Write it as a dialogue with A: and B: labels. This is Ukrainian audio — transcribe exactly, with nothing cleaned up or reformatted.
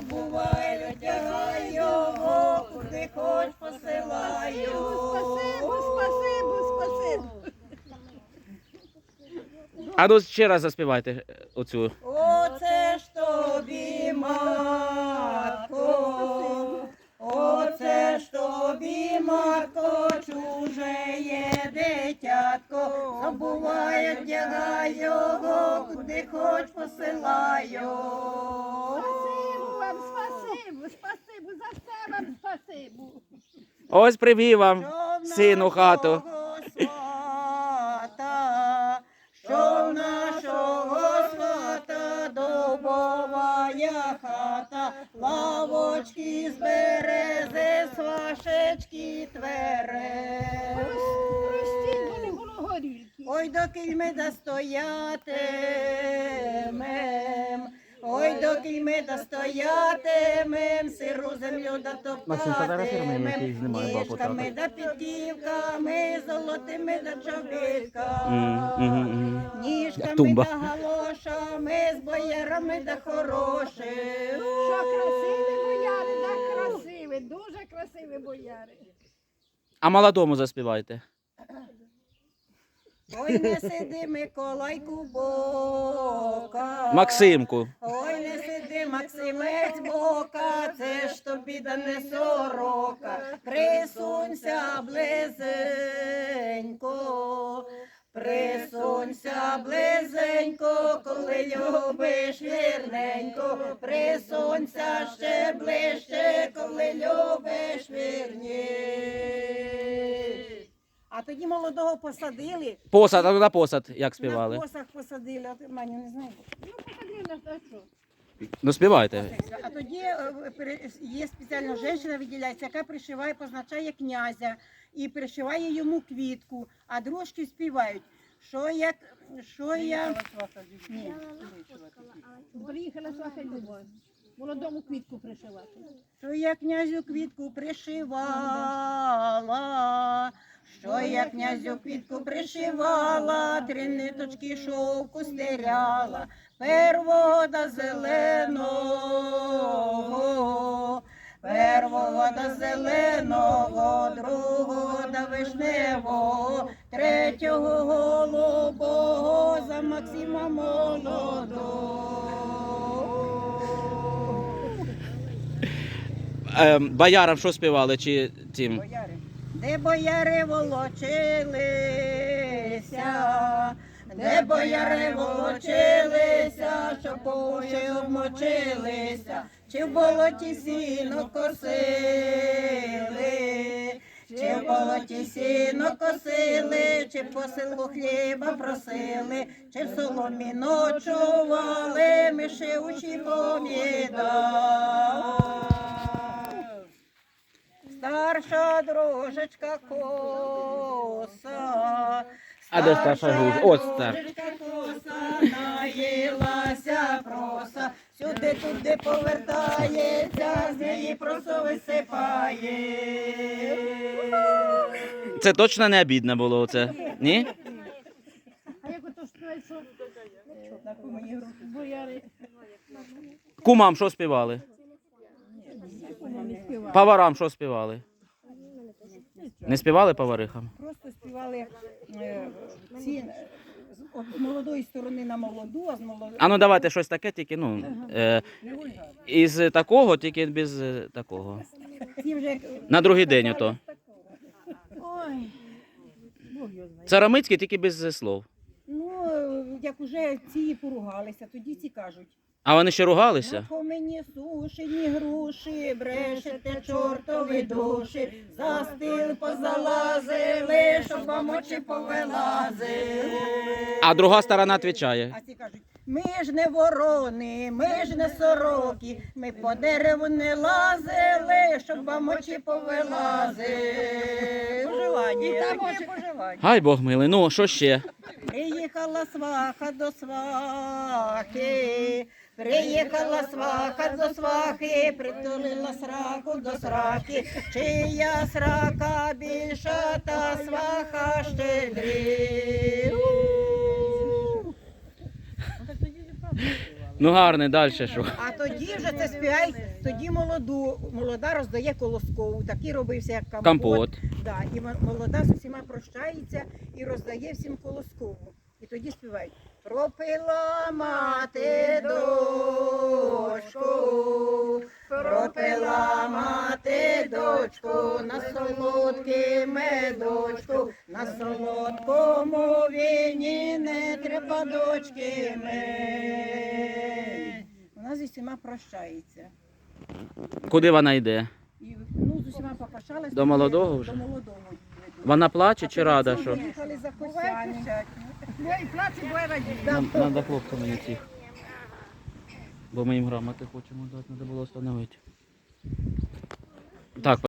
A: забувай, одягай його, куди хоч посилаю.
B: Спасибо, спасибо, спасибо.
C: А ну ще раз заспівайте оцю.
A: Оце ж тобі, матко, оце ж тобі, матко, чуже є дитятко, забувай, одягай його, куди хоч посилаю.
B: Спасибо вам, спасибо, спасибо, за все вам спасибо.
C: Ось привів вам
A: Що в
C: сину хату.
A: нашого свата, що в нашого свата дубовая хата, лавочки з берези, свашечки тверез.
B: Простіть, бо не було горілки.
A: Ой, доки ми достоятимем, ой, доки ми достоятимем, сиру землю
C: Максим, фотографируй мене, який
A: дотоптатимем,
C: знімає бабу
A: ніжками
C: так.
A: да підківками, золотими да
C: М,
A: чобітками,
C: мгм, мгм.
A: ніжками
C: Тумба.
A: да галошами, з боярами да хорошим.
B: Що красиві бояри, так красиві, дуже красиві бояри.
C: А молодому заспівайте.
A: Ой, не сиди, Миколайку, бока.
C: Максимку.
A: Ой, не сиди, Максимець, бока, це ж тобі да не сорока. Присунься близенько, присунься близенько, коли любиш вірненько. Присунься ще ближче, коли любиш вірніше. А тоді молодого посадили.
C: Посад, а ну на посад, як
A: На
C: співали.
A: посах посадили, а ти, Маню, не знаю.
B: Ну, посади нас на що?
C: Ну співайте.
A: А тоді е, пере- є спеціальна жінка, виділяється, яка пришиває, позначає князя і пришиває йому квітку, а дружки співають. Що як, що я... Ні.
B: Приїхала сваха Любов. Молодому квітку пришивати.
A: Що я князю квітку пришивала, що я князю квітку пришивала, три ниточки шовку стеряла, первого да зеленого, первого да зеленого, другого да вишневого, третього голубого, за Максима молодого.
C: Ем, боярам що співали чи тим?
A: Бояри. Де бояри волочилися, де бояри волочилися, що по уші обмочилися, чи в болоті сіно косили, чи в болоті сіно косили, чи по селу хліба просили, чи в соломі ночували, миші очі повідали. Старша дружечка коса,
C: А де старша дружка? Ось так.
A: дружечка коса, наїлася проса, сюди-туди повертається, з неї просо висипає.
C: Це точно не обідне було оце? Ні?
B: А як ото співають, що бояри
C: Кумам що співали?
B: не співають?
C: Поварам що співали? Не співали поварихам?
A: Просто співали е, ці, е, з от з молодої сторони на молоду, а з молодої...
C: А ну давайте щось таке, тільки ну е, із такого, тільки без е, такого.
A: Ці вже як-
C: На другий день ото.
B: Ой, Бог його знає.
C: Царамицький тільки без слов.
A: Ну, е, як уже ці поругалися, тоді ці кажуть.
C: А вони ще ругалися?
A: По мені сушені груші, брешете чортові душі, за стіл позалазили, щоб вам очі повилазили.
C: А друга сторона відповідає.
A: А ці кажуть, ми ж не ворони, ми ж не сороки, ми по дереву не лазили, щоб вам очі повилазили. Поживання. І там є поживання.
C: Хай Бог милий. Ну, що ще?
A: Приїхала сваха до свахи, приїхала сваха до свахи, притулила сраку до сраки, чия срака більша, та сваха щедрі.
C: Ну гарний, далі що?
A: А тоді вже це співають, тоді молоду, молода роздає колоскову, такий робився як компот.
C: Компот.
A: Да, і мо- молода з усіма прощається і роздає всім колоскову. І тоді співають. Пропила мати дочку, пропила мати дочку, на солодкий медочку, на солодкому віні не треба дочки мить. Вона з усіма прощається.
C: Куди вона йде?
A: І, ну, з усіма попрощалась.
C: До молодого вже?
A: До молодого її ведуть.
C: Вона плаче
A: А
C: чи рада,
A: тоді
C: що?
A: Їхали за
B: Буває
A: Косяні.
B: пищать. Двоє плаче, двоє радіє.
C: Треба хлопцям мені цих. Бо ми їм грамоти хочемо дати, треба було встановити. Так,